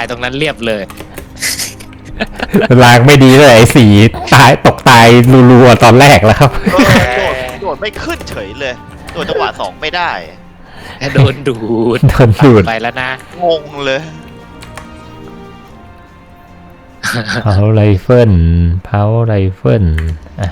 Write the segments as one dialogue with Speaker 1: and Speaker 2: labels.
Speaker 1: ตรงนั้นเรียบเลย
Speaker 2: ลางไม่ดีเลยไอ้สีตายตกตายรัวๆตอนแรกแล้วครับ
Speaker 3: โดดไม่ขึ้นเฉยเลยโดดจังหวะ2ไม่ได้
Speaker 1: โดนดูดไปแล้วนะ
Speaker 3: งงเลย
Speaker 2: เผาไรเฟิลอ่ะ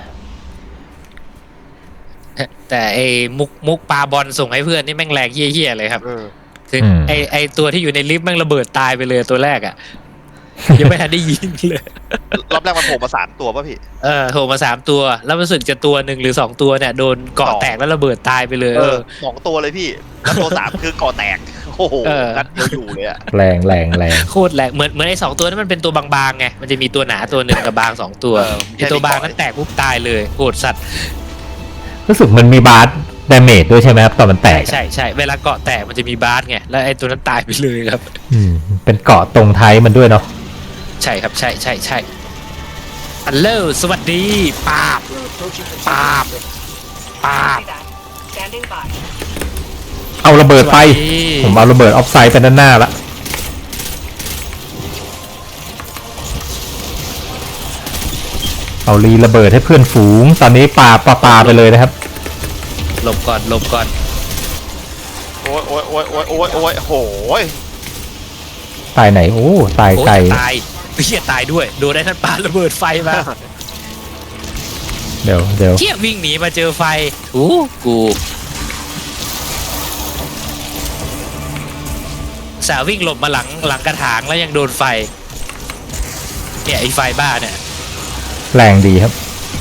Speaker 1: แต่ไอ้มุกปาบอลส่งให้เพื่อนนี่แม่งแรงเหี้ยๆเลยครับถึงไอตัวที่อยู่ในลิฟต์แม่งระเบิดตายไปเลยตัวแรกอ่ะยังไม่ทันได้ยิงเลย
Speaker 3: รอบแรกมันโผล่มา3ตัวป่ะพี่
Speaker 1: โผล่มา3ตัวแล้วรู้สึกจะตัว1หรือ2ตัวเนี่ยโดนเกาะแตกแล้วระเบิดตายไปเลย
Speaker 3: 2ตัวเลยพี่แล้วตัว3คือเกาะแตกโอ้โหนัดเดียวอยู่เลยอะ
Speaker 2: แรง
Speaker 1: โคตรแรงเหมือนไอ้2ตัวนั้นมันเป็นตัวบางๆไงมันจะมีตัวหนาตัวหนึ่งกับบาง2ตัวไอ้ตัวบางนั้นแตกปุ๊บตายเลยโหดสัตว์
Speaker 2: รู้สึกมันมีบาร์ดาเมจด้วยใช่ไหมครับตอนมันแตก
Speaker 1: ใช่เวลาเกาะแตกมันจะมีบาร์ไงแล้วไอ้ตัวนั้นตายไปเลยครับ
Speaker 2: เป็นเกาะตรงท้ายมันด้วยเนาะ
Speaker 1: ใช่ครับใช่ฮัลโหลสวัสดีปาบ
Speaker 2: เอาระเบิดไปผมเอาระเบิดออฟไซด์ไปด้านหน้าละเอารีระเบิดให้เพื่อนฝูงตอนนี้ปาไปเลยนะครับ
Speaker 1: หลบก่อน
Speaker 3: โอ้ยโหย
Speaker 2: ตายไหนโอ้ตายไกล
Speaker 1: เฮียตายด้วยโดนได้ท่านปาระเบิดไฟมา
Speaker 2: เดี๋ยว
Speaker 1: เฮียวิ่งหนีมาเจอไฟกูสาววิ่งหลบมาหลังกระถางแล้วยังโดนไฟเนี่ยไอ้ไฟบ้าเนี่ย
Speaker 2: แรงดีครับ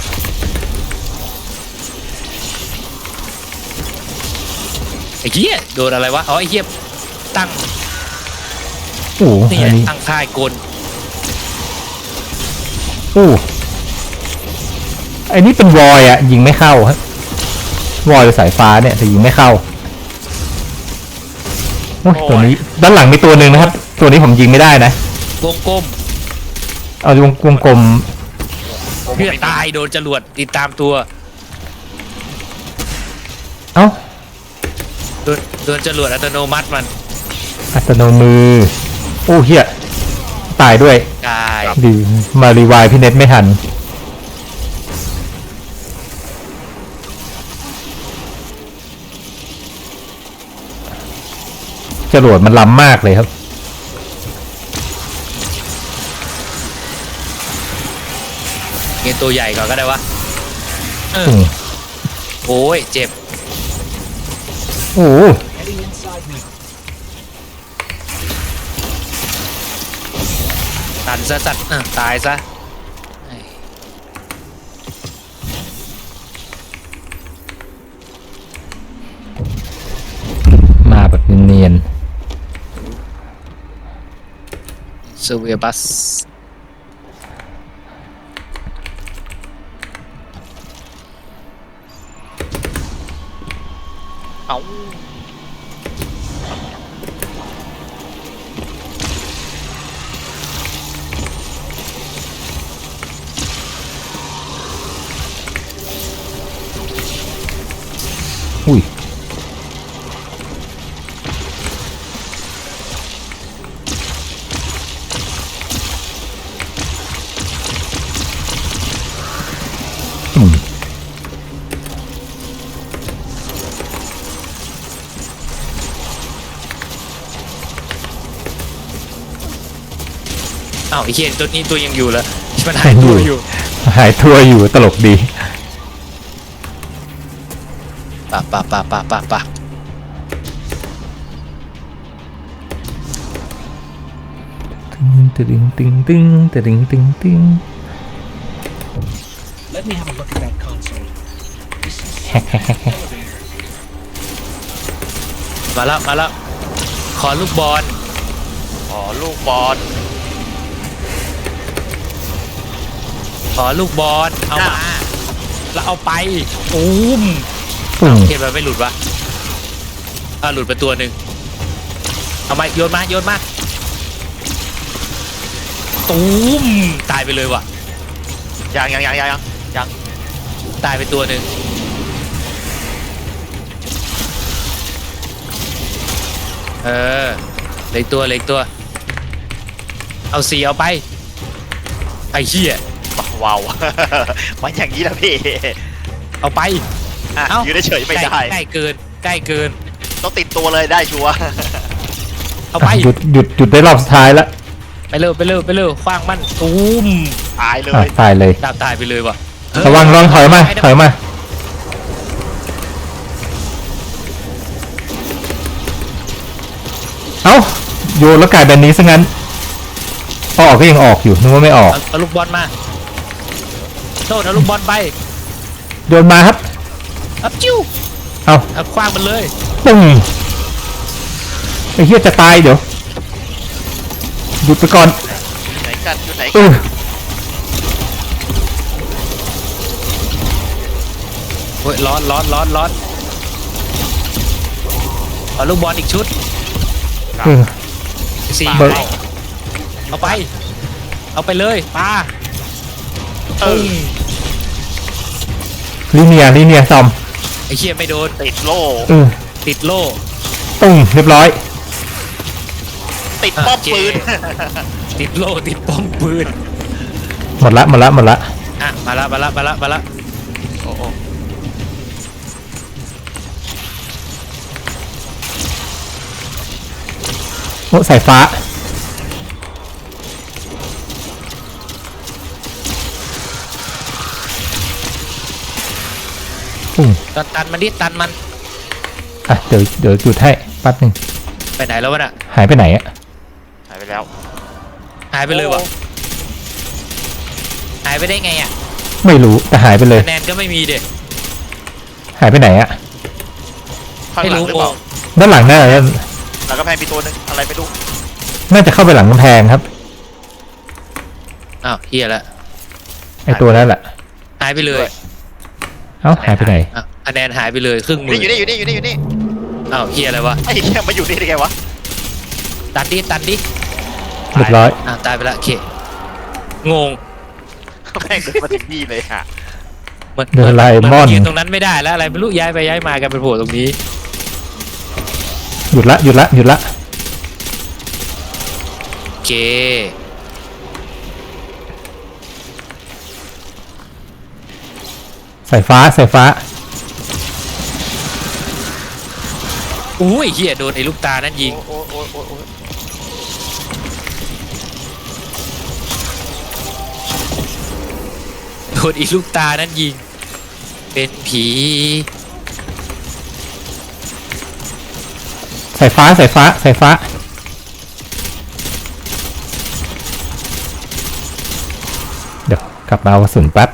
Speaker 1: ไอ้เหี้ยโดนอะไรวะไอ้เหี้ยตั้งนี่ตั้งค่ายกล
Speaker 2: ไอ้นี่เป็นวอยอ่ะยิงไม่เข้าฮะวอยหรือสายฟ้าเนี่ยแต่ยิงไม่เข้าตัวนี้ด้านหลังมีตัวหนึ่งนะครับตัวนี้ผมยิงไม่ได้นะ
Speaker 1: วงกลม
Speaker 2: เอาวงกลม
Speaker 1: เพื่อตายโดนจรวดติดตามตัว
Speaker 2: เอ้า
Speaker 1: โดนจรวดอัตโนมัติมัน
Speaker 2: อัตโนมือโอ้เฮียตายด้วยดีมารีวายพี่เน็ตไม่ทันจรวดมันล้ำมากเลยครับ
Speaker 1: เงี้ยตัวใหญ่ก่อนก็ได้วะโอ้ยเจ็บตันซะสัตว์ตายซะ
Speaker 2: มาแบบเนียน
Speaker 1: เซเวียบัสเอา
Speaker 2: อุ้ย
Speaker 1: อ้าวไอ้เหี้ยตัวนี้ตัวยังอยู่แล้วมันหายตัว
Speaker 2: อยู่ตลกดี
Speaker 1: ปะ
Speaker 2: ตึง
Speaker 4: Let me have a look at that console.
Speaker 1: มาแล้วขอลูกบอล
Speaker 3: ขอลูก
Speaker 1: เอามาแล้วเอาไปเห็นมันไม่หลุดวะหลุดไปตัวหนึ่งเอามาโยนมาตายไปเลยว่ะ
Speaker 3: ยัง
Speaker 1: ตายไปตัวหนึ่งเหล็กตัวเอา4เอาไปไอ้เหี้ย
Speaker 3: ว้าว มันอย่างนี้แหละพี่
Speaker 1: เอาไป
Speaker 3: อ่ะ
Speaker 1: เอ้า
Speaker 3: ยืนเฉยๆไม่ได้
Speaker 1: ใกล้เกินใกล้เกิน
Speaker 3: ต้องติดตัวเลยได้ชัวร์
Speaker 1: เอาไป
Speaker 2: หยุดได้รอบสุดท้ายแล้ว
Speaker 1: ไปเร็วคว้างมันตูม
Speaker 3: ตายเล
Speaker 2: อ่ะ
Speaker 3: ย
Speaker 2: ตายเลย
Speaker 1: ตายไปเลยว่ะ
Speaker 2: ระวังลองถอยมาเอ้าโยนแล้วกลายแบบนี้ซะงั้นออกก็ยังออกอยู่นึกว่าไม่ออก
Speaker 1: เอาลูกบอลมาโทษเอาลูกบอลไป
Speaker 2: โยนมาครับ
Speaker 1: อัพจิ้ว
Speaker 2: เอา
Speaker 1: เอาคว้างมันเลย
Speaker 2: ตึ้งไอ้เหี้ยจะตายเดี๋ยวหยุดไปก่อน
Speaker 3: ไหนกันอยู่ไหน
Speaker 2: เอ
Speaker 3: กัน
Speaker 2: อ
Speaker 1: โอ้ยร้อนเอาลูกบอลอีกชุด
Speaker 2: เออ
Speaker 1: 4
Speaker 2: เบิก
Speaker 1: เอาไปเลยปา
Speaker 3: เออ
Speaker 2: ลิเนียซอม
Speaker 1: ไอ้เหี้ยไม่โดน
Speaker 3: ติดโล่
Speaker 2: เออ
Speaker 1: ติดโล่
Speaker 2: ตึ้งเรียบร้อย
Speaker 3: ติดป้อมปืน
Speaker 1: ติดโล่ติดป้อมปืน
Speaker 2: หมดละ
Speaker 1: อ่ะมาละ
Speaker 3: โอ้โห
Speaker 2: โอ้สายฟ้าปุ้ง
Speaker 1: ตันมันดิตันมัน
Speaker 2: อ่ะเดี๋ยวหยุดให้แป๊บนึง
Speaker 1: ไปไหนแล้ววะน่ะ
Speaker 2: หายไปไหนอะ
Speaker 3: หายไปแล้ว
Speaker 1: หายไปเลยวะหายไปได้ไงอ่ะ
Speaker 2: ไม่รู้แต่หายไปเลย
Speaker 1: คะแนนก็ไม่มีเด็ก
Speaker 2: หายไปไหนอะ
Speaker 3: ข้าง
Speaker 1: ไม่
Speaker 3: หลัง
Speaker 1: รู้
Speaker 3: หรือเปล่า
Speaker 2: ด้านหลังน่าจะ
Speaker 3: หลังกำแพงมีตัวหนึงอะไรไม่รู้
Speaker 2: น่าจะเข้าไปหลังกำแพงครับ
Speaker 1: อ้าวเฮียละ
Speaker 2: ไอตัวนั้นแหละ
Speaker 1: หายไปเลย
Speaker 2: เอ้าหายไปไหน
Speaker 1: อ่ะคะแนนหายไปเลยครึ่งหมื
Speaker 3: นี่
Speaker 1: อ
Speaker 3: อยู่นี่
Speaker 1: อ้าวเฮียอะไรวะ
Speaker 3: ไอ้เหี้ยมาอยู่นี่ได้ไงวะ
Speaker 1: ตันดิ
Speaker 2: เรียบร้อย
Speaker 1: อ่ะตายไปละโอเคงง
Speaker 3: แม่งเดินมาถึงนี่เลยค่ะ
Speaker 1: มัน
Speaker 2: เดินไล่ม่อน
Speaker 1: ยืนตรงนั้นไม่ได้แล้วอะไรไม่รู้ย้ายไปย้ายมากันเป็นโผล่ตรงนี้
Speaker 2: หยุดละ
Speaker 1: โอเค
Speaker 2: สายฟ้า
Speaker 1: อุ้ยเฮียโดนไอ้ลูกตานั่นยิง
Speaker 3: โอ้โอ้โอ้โอ้
Speaker 1: โดนอีลูกตานั่นยิงเป็นผี
Speaker 2: สายฟ้า เดี๋ยวกลับมาเอากระสุนแป๊บ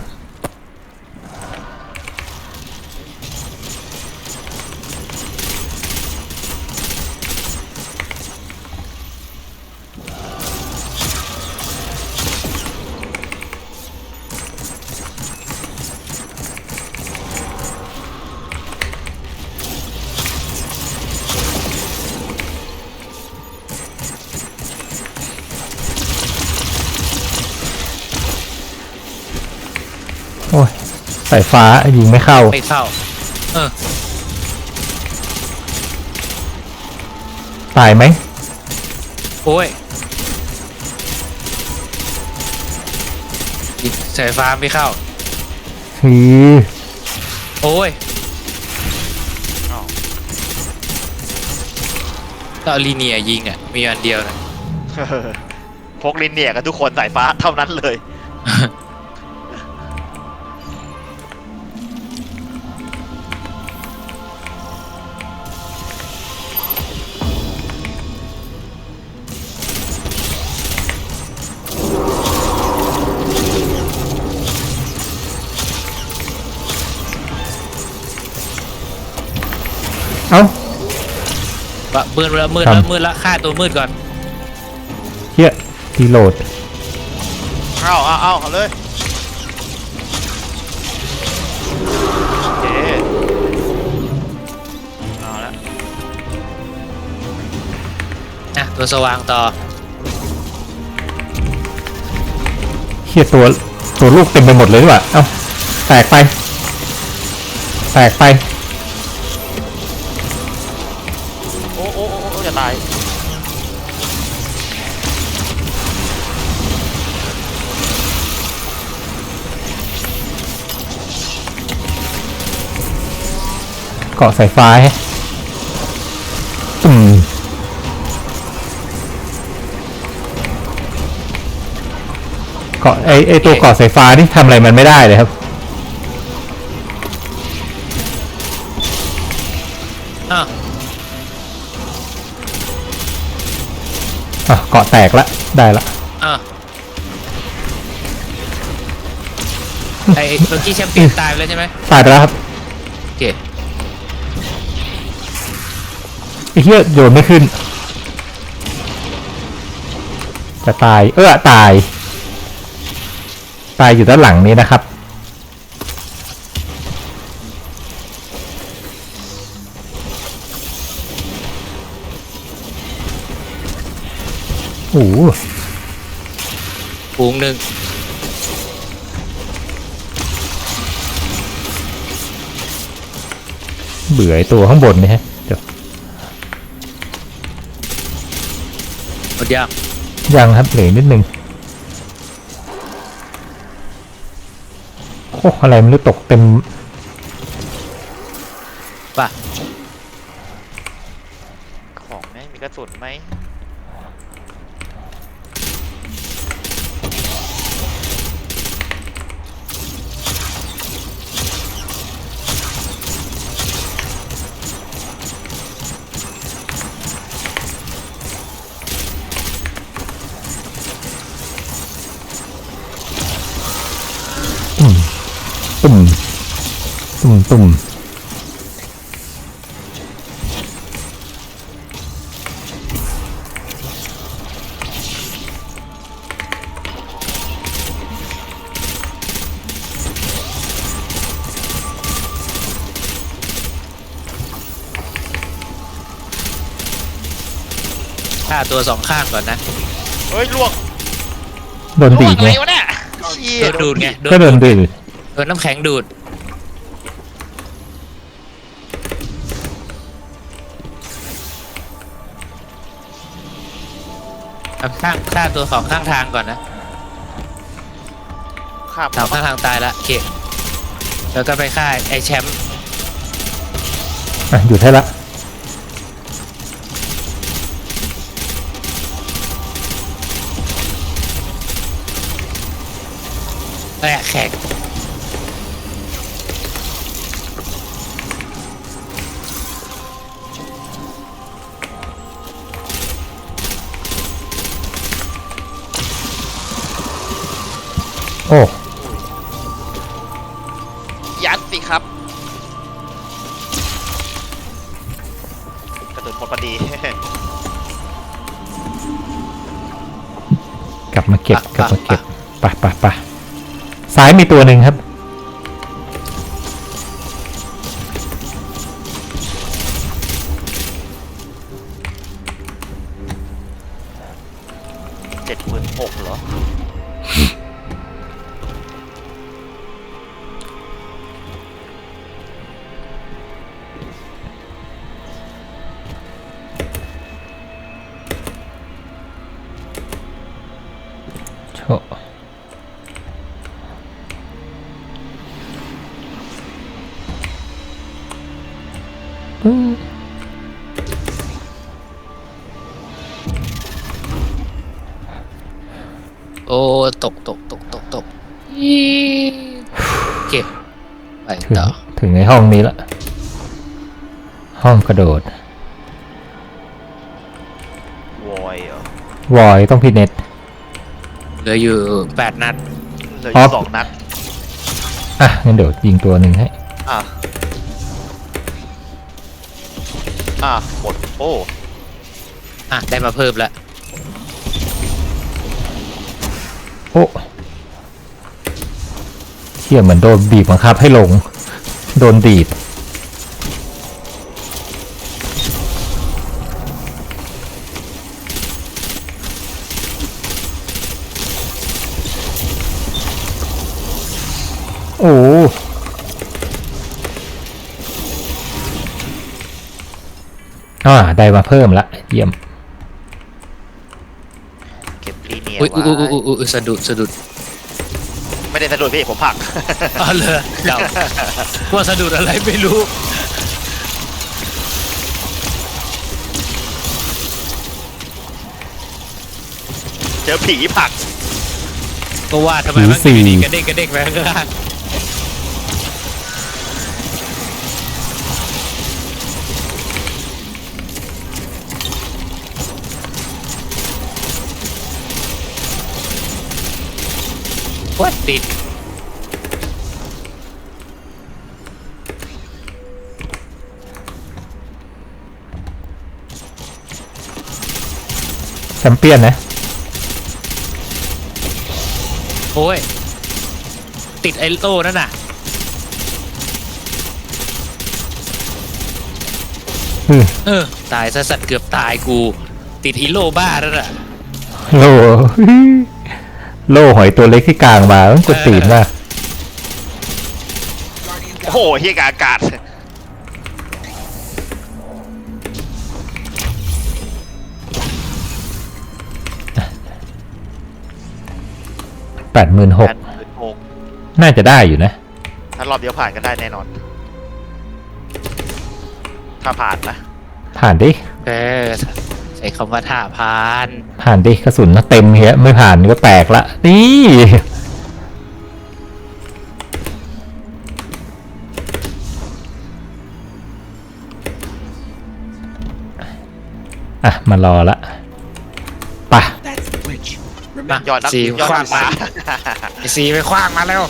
Speaker 2: โอ้ยสายฟ้ายิงไม่เข้า
Speaker 1: ไม่เข้า
Speaker 2: ตายไหม
Speaker 1: โอ้ยยิงสายฟ้าไม่เข้า
Speaker 2: คือ
Speaker 1: โอ้ย
Speaker 3: อ้าว
Speaker 1: ก็เอาลีเนียยิงอ่ะมีอันเดียวนะ
Speaker 3: พกลินเนี่ยกันทุกคนสายฟ้าเท่านั้นเลย
Speaker 2: เอ้า
Speaker 1: มืดแล้วฆ่าตัวมืดก่อน
Speaker 2: เฮียรีโหลด
Speaker 3: เอาเลยโอเคเอาละ
Speaker 1: อ่ะตัวสว่างต่อ
Speaker 2: เฮียตัวลูกเต็มไปหมดเลยดีกว่าเอ้าแตกไป
Speaker 3: โอ้จะตาย
Speaker 2: เกาะสายฟ้าฮะเกาะไอตัวเกาะสายฟ้านี่ทำอะไรมันไม่ได้เลยครับ
Speaker 1: อ่ะ
Speaker 2: เกาะแตกละได้ละ
Speaker 1: อ่ะไอ้เมื่อกี้แชมเปี้ยนตายไปแล้วใช่ไหม
Speaker 2: ตายไปแล้วครับ
Speaker 1: โอเค
Speaker 2: ไอ้เหี้ยโยนไม่ขึ้นจะตายตายอยู่ด้านหลังนี้นะครับโอ้โห
Speaker 1: ฝูงหนึ่ง
Speaker 2: เบื่อไอ้ตัวข้างบนนี่ฮะเดี๋ยว
Speaker 1: หมดยัง
Speaker 2: ยังครับเหลือนิดนึงโอ้อะไรมันตกเต็ม
Speaker 1: ป่ะ
Speaker 3: ของไหมมีกระสุนไหม
Speaker 2: ตุ่ม
Speaker 1: ฆ่าตัวสองข้างก่อนนะ
Speaker 3: เฮ้ยล่วง
Speaker 2: โดนดีด
Speaker 3: ล่วง
Speaker 2: ไง
Speaker 3: อะไรวะเนี่ยเชี่ย
Speaker 1: โดนดูดไง
Speaker 2: ก็โดนดีด
Speaker 1: โดนน้ำแข็งดูดเอาฆ่าตัวสองข้างทางก่อนนะ
Speaker 3: ข้าม
Speaker 1: สองข้างทางตายละโอเคแล้วก็ไปฆ่าไอ้แชมป์
Speaker 2: หยุดให้ละ
Speaker 1: แข็ง
Speaker 2: โอ้
Speaker 3: ยัดสิครับกระสุนหมดพอดี
Speaker 2: กลับมาเก็บไปซ้ายมีตัวหนึ่งครับ
Speaker 3: 76,000เหรอ
Speaker 2: โช
Speaker 1: โอ้ตกอีเก็บไป
Speaker 2: ถึง
Speaker 1: ต่อ
Speaker 2: ถึงในห้องนี้ละห้องกระโดด
Speaker 3: วอยเหรอ
Speaker 2: วอยต้องพิเน็ต
Speaker 1: เหลืออยู่8 นัด
Speaker 3: เหลืออยู่2 นัด
Speaker 2: งั้นเดี๋ยวยิงตัวหนึ่งให้
Speaker 3: อ่ะหมดโอ้
Speaker 1: ได้มาเพิ่มแล้ว
Speaker 2: โอ้เชี่ยเหมือนโดนบีบบังคับให้ลง โดนดีดโอ้ได้มาเพิ่มละเยี่ยม
Speaker 3: เก็บลีเนีย
Speaker 1: อุ้ย
Speaker 3: ไว้
Speaker 1: อุ้ยสะดุด
Speaker 3: ไม่ได้สะดุดพี่ผมผลัก
Speaker 1: อ๋อเลยเดาว่าสะดุดอะไรไม่รู้
Speaker 3: เจอผีผลัก
Speaker 1: ก็ว่าทำไมมันอยู่ดีกระเด้งกระเด้งไปข้างล่างว่าติด
Speaker 2: แชมเปี้ยนนะ
Speaker 1: โอ้ยติดไอโต้นั่นน่ะ เออตายซะสัตว์เกือบตายกู ติดอีโลบ้าแล้วน่ะ
Speaker 2: โล่ โล่หอยตัวเล็กที่กลางมามันกดตีนมาก
Speaker 3: โอ้โหเฮียกบอากาศ
Speaker 2: 86,000 น่าจะได้อยู่นะ
Speaker 3: ถ้ารอบเดียวผ่านก็ได้แน่นอน ถ้าผ่านนะ
Speaker 2: ผ่านดิ
Speaker 1: เออใช้คำว่าท่าพาน
Speaker 2: ผ่านดิกระสุนเต็มเฮียไม่ผ่านก็แตกละนี่อ่ะมารอละไปะ
Speaker 4: That's the bridge.
Speaker 1: มา
Speaker 3: ยอดนัก
Speaker 1: สี
Speaker 3: ยอด
Speaker 1: คว้า
Speaker 3: นั
Speaker 1: ง
Speaker 3: ก
Speaker 1: มา
Speaker 3: มา
Speaker 1: ไอสีไปคว้างมาแล้ว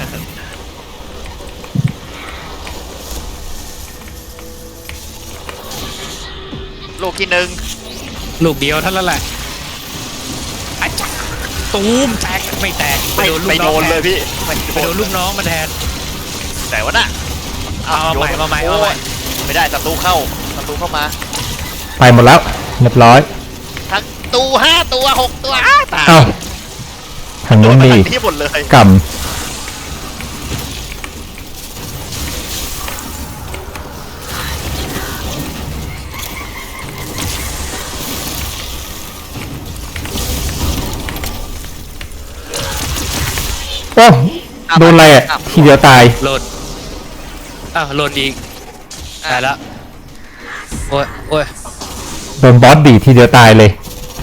Speaker 3: ลูกที่หนึ่ง
Speaker 1: ลูกเดียวเท่านั้นแหละอาจารย์ตูมแตกไม่แตก
Speaker 3: ไม่
Speaker 1: ลูก
Speaker 3: ไป
Speaker 1: น้
Speaker 3: โด
Speaker 1: อง
Speaker 3: นเลยพี่
Speaker 1: ไปโดนลูกน้องมันแทน
Speaker 3: แต่ว่าน่ะ
Speaker 1: เอาใหม่เอาใหม่เอาใหม่
Speaker 3: โยไม่ได้ศัตรูเข้ามา
Speaker 2: ไปหมดแล้วเรียบร้อย
Speaker 3: ทั้งตัว5 ตัว 6 ตัวตาย
Speaker 2: เอ้าทาง
Speaker 3: โด
Speaker 2: นู้
Speaker 3: น
Speaker 2: น
Speaker 3: มา
Speaker 2: นี่
Speaker 3: ทั้งที่หมดเลย
Speaker 2: กำโอ้โดนอะไรอ่ะ ทีเดียวตาย
Speaker 1: โหลดอ้าวโหลดอีกตายแล้วโอ้ยโอ้ย
Speaker 2: โดนบอสดีดทีเดียวตายเลย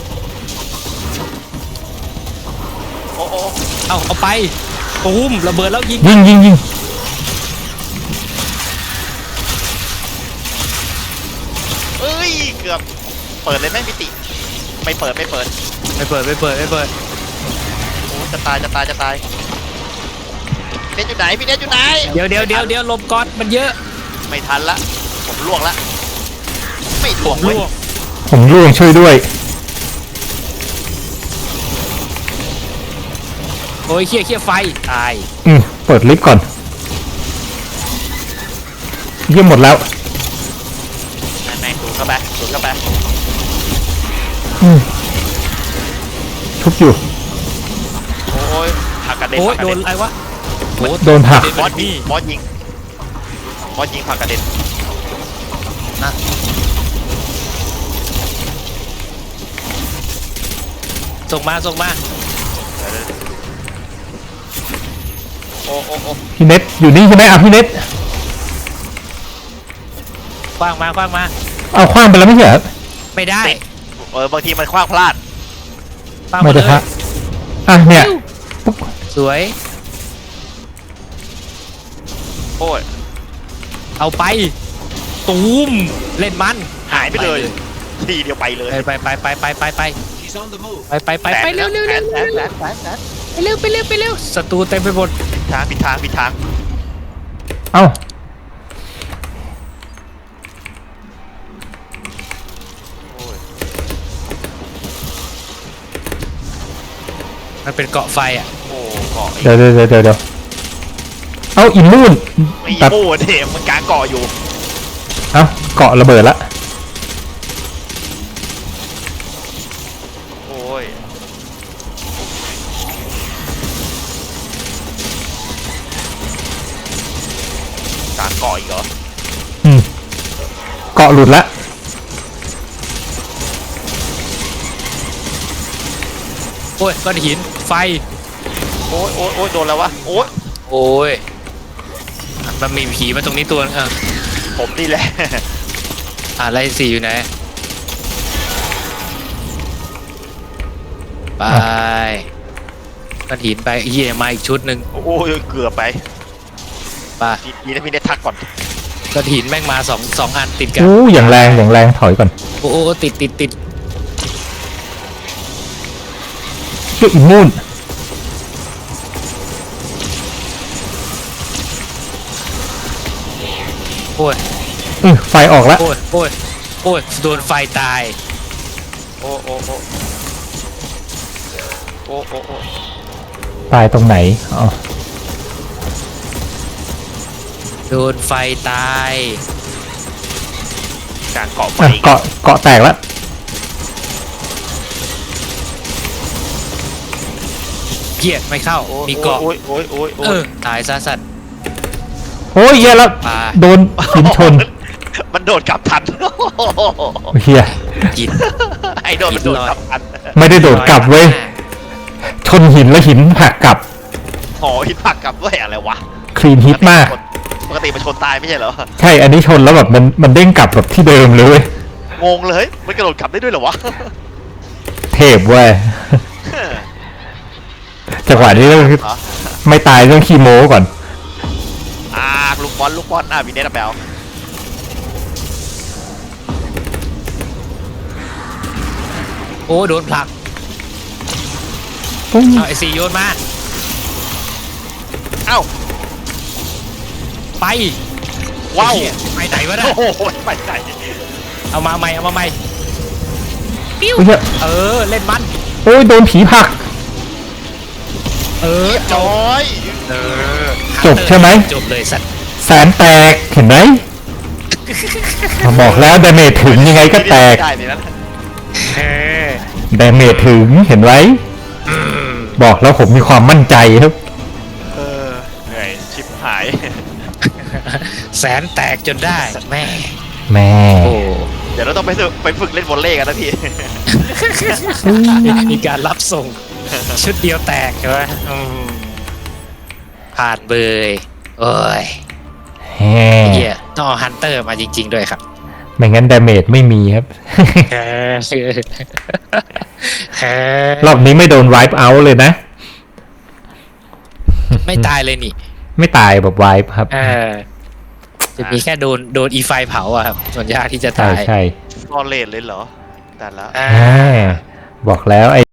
Speaker 3: โอ้โห
Speaker 1: เอาไปตูมระเบิดแล้วยิง
Speaker 2: ยิง
Speaker 3: เอ้ยเกือบเปิดเลยไหมมิติไม่เปิด
Speaker 1: ไม่เปิดไม่เปิด
Speaker 3: โอ้จะตายพี่เนทอยู่ไหนพี่เนทอยู่ไหน
Speaker 1: เดี๋ยวลมก๊อตมันเยอะ
Speaker 3: ไม่ทันละผมล่วงละไม่ล่วงเว้ย
Speaker 1: ล่วง
Speaker 2: ผมร่วงช่วยด้วย
Speaker 1: โอ้ยเขี้ยไฟตาย
Speaker 2: เปิดลิฟต์ก่อนเยี่ยมหมดแล้ว
Speaker 3: แม่งดูเข้าไป
Speaker 2: ทุบอยู่
Speaker 3: โอ้ยผักกระเด็น
Speaker 1: โอ้ย
Speaker 3: ผักกระ
Speaker 1: โด
Speaker 3: เด็
Speaker 1: น
Speaker 3: น
Speaker 1: อะไรวะ
Speaker 2: โดนผลัก
Speaker 3: บอสยิงบอสยิงผักกระเด็น
Speaker 1: นะส่งมา
Speaker 3: โอ้
Speaker 2: พี่เน็ตอยู่นี่ใช่ไหมพี่เน็ต
Speaker 1: คว้างมา
Speaker 2: เอาคว้างไปแล้วไม่ใช่เหรอ
Speaker 1: ไม่ได้
Speaker 3: บางทีมันคว้างพลาด
Speaker 1: คว้าง
Speaker 2: ไม่
Speaker 1: มาเล
Speaker 2: ได้
Speaker 1: ย
Speaker 2: พระอ่ะเนี่ยปุ๊บ
Speaker 1: สวย
Speaker 3: โอ้ย
Speaker 1: เอาไปตูมเล่นมัน
Speaker 3: หายไปเลยทีเดียวไปเลย
Speaker 1: ไป
Speaker 4: She's on the move.
Speaker 1: ไปเร็วไปเร็วศัตรูเต็มไปหมด
Speaker 3: ผิดทาง
Speaker 2: เอ้า
Speaker 3: โอ้ย
Speaker 1: มันเป็นเกาะไฟอ่ะ
Speaker 3: โอ้เกาะ
Speaker 2: เดี๋ยวเอาอินมูน
Speaker 3: ไม่
Speaker 2: ตัด
Speaker 3: โอ้เดมมันกลางเกาะอยู่
Speaker 2: เอาเกาะระเบิดละ
Speaker 3: โอ้ยกลางเกาะอีกเหรอ
Speaker 2: เกาะหลุดละ
Speaker 1: โอ้ยก้อนหินไฟ
Speaker 3: โอ้ยโดนแล้ววะโอ้ย
Speaker 1: โอ้ยมันมีผีมาตรงนี้ตัวนึง
Speaker 3: ผมนี่แหละ
Speaker 1: อะไรสีอยู่ไหนไปก้อนหินไปเฮียมาอีกชุดหนึ่ง
Speaker 3: โอ้ยเกือบไป
Speaker 1: ไป
Speaker 3: นี่นะพี่เนททักก่อน
Speaker 1: ก้อนหินแม่งมาสองอันติดกัน
Speaker 2: อู้อย่างแรงอย่างแรงถอยก่อน
Speaker 1: โอ้โหติด
Speaker 2: เชื่ออิมมูน
Speaker 1: โอ้ย
Speaker 2: ไฟออกแล้ว
Speaker 1: โอ้ยโดนไฟตาย
Speaker 3: โอ้โอ้โอ้โอ้โอ้โอ้
Speaker 2: ตายตรงไหนอ๋อ
Speaker 1: โดนไฟตาย
Speaker 3: การเกาะไฟ
Speaker 2: เกาะแตกแล้ว
Speaker 1: เกียดไม่เข้ามีเกาะ
Speaker 3: โอ้ยโอ้ยโอ้ยโอ้ย
Speaker 1: ตายซะสัตว์
Speaker 2: โอ้ยเหี้ยแล้ว
Speaker 1: ปลา
Speaker 2: โดนหินชน
Speaker 3: มันโดดกลับทัน
Speaker 2: เฮีย
Speaker 1: กิน
Speaker 3: ไอ้โดดมันโดดกลับทัน
Speaker 2: ไม่ได้โดดกลับเว้ยชนหินแล้วหินหักกลับ
Speaker 3: หอหินผักกลับด้วยอะไรวะ
Speaker 2: คลีนฮิตมาก
Speaker 3: ปกติมันชนตายไม่ใช่เหรอ
Speaker 2: ใช่อันนี้ชนแล้วแบบมันเด้งกลับแบบที่เดิมเลยเว้ย
Speaker 3: งงเลยมันกระโดดกลับได้ด้วยเหรอวะ
Speaker 2: เทพเว้ยจังหวะนี้ต้องไม่ตายต้องคีโมก่อน
Speaker 3: ลูกบอลพี่เนทแบล
Speaker 1: โอ้โดนผลัก
Speaker 2: ปุ้ง
Speaker 1: เอาไอซีโยนมา
Speaker 3: เอ้า
Speaker 1: ไป
Speaker 3: ว้าว
Speaker 1: เหี้ยไปไหนวะนะ
Speaker 3: โอ้โหไปไหน
Speaker 1: เอามาใหม่ปิ้ว
Speaker 2: โอ้ยเหี้ย
Speaker 1: เล่นมัน
Speaker 2: โอ้ยโดนผีผลัก
Speaker 1: จ
Speaker 3: จ
Speaker 1: บ
Speaker 3: อย
Speaker 2: จบใช่ไหม
Speaker 1: จบเลยสัตว์
Speaker 2: แสนแตกเห็นไหมบอกแล้วดาเมจถึงยังไงก็แตก
Speaker 3: ได้เลยนะ
Speaker 2: ดาเมจถึงเห็นไว้ บอกแล้วผมมีความมั่นใจครับ
Speaker 3: เหนื่อยชิบหาย
Speaker 1: แสนแตกจนได้แม่
Speaker 2: แม่
Speaker 1: โอ้
Speaker 3: เดี๋ยวเราต้องไปฝึกเล่นวอลเลย์กันนะพี่
Speaker 1: มีการรับส่ง ชุดเดียวแตกใช่ไหมผ่านเบยโอ้ย
Speaker 2: แฮ่
Speaker 1: เฮียต้องเอาฮันเตอร์มาจริง ๆ ด้วยครับ
Speaker 2: ไม่งั้นดาเมจไม่มีครับ รอบนี้ไม่โดนไวป์เอาท์เลยนะ
Speaker 1: ไม่ตายเลยนี่
Speaker 2: ไม่ตายแบบไวป์ครับ
Speaker 1: จะมีแค่โดนอีไฟเผาอะครับ ส่วนยากที่จะ
Speaker 2: ใช่
Speaker 1: ตาย
Speaker 2: ใช่
Speaker 3: วอลเลย์เลยเหรอแต่ละ
Speaker 1: อ่า
Speaker 2: บอกแล้วไอ้